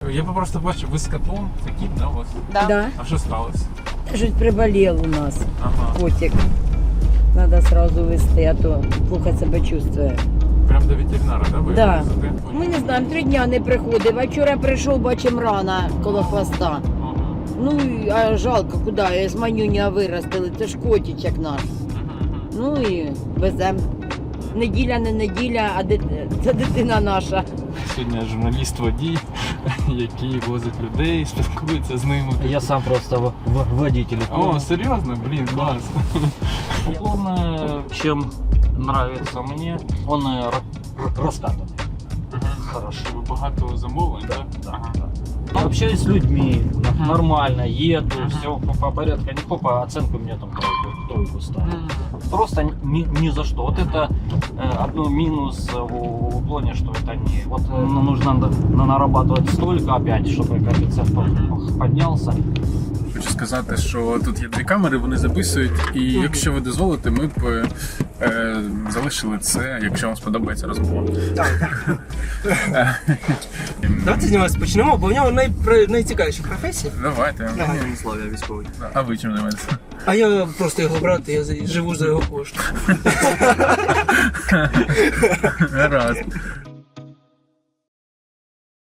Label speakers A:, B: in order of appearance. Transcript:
A: Я просто бачу, ви з котом, це кіт, да, у вас?
B: Да.
A: А що сталося?
B: Чуть приболел у нас
A: Ага.
B: котик. Надо сразу везти, а то плохо себе чувствує.
A: Прям до ветеринара, да, ви
B: Да.
A: везете?
B: Ми не знаємо, 3 дня не приходив, а вчора прийшов, бачимо рана коло хвоста.
A: Ага.
B: Ну, а жалко, куди, я з манюня виростили, це ж котичок наш. Ну і веземо. Неділя, не неділя, а це дитина наша.
A: Сьогодні журналіст-водій, який возить людей, спілкується з ними.
C: Я сам просто водитель.
A: О, серйозно? Блін, клас.
C: Он, чем нравится мне, он раскатанный. Хорошо.
A: Ви багато замовлень, так? Ага.
C: Я общаюсь с людьми, нормально, еду, все по порядку. Никто по оценку мне там тройку ставит. Просто ни за что. Вот это одно минус в плане, что это не... Вот нужно нарабатывать столько опять, чтобы коэффициент поднялся.
A: Хочу сказати, що тут є 2 камери, вони записують, і якщо ви дозволите, ми б залишили це, якщо вам сподобається розмова.
D: Давайте з нього почнемо, бо в нього найцікавіші професії.
A: Давайте.
D: Слава, я військовий.
A: А ви чим займаєтеся?
D: А я просто його брат, я живу за його кошти.
A: Гаразд.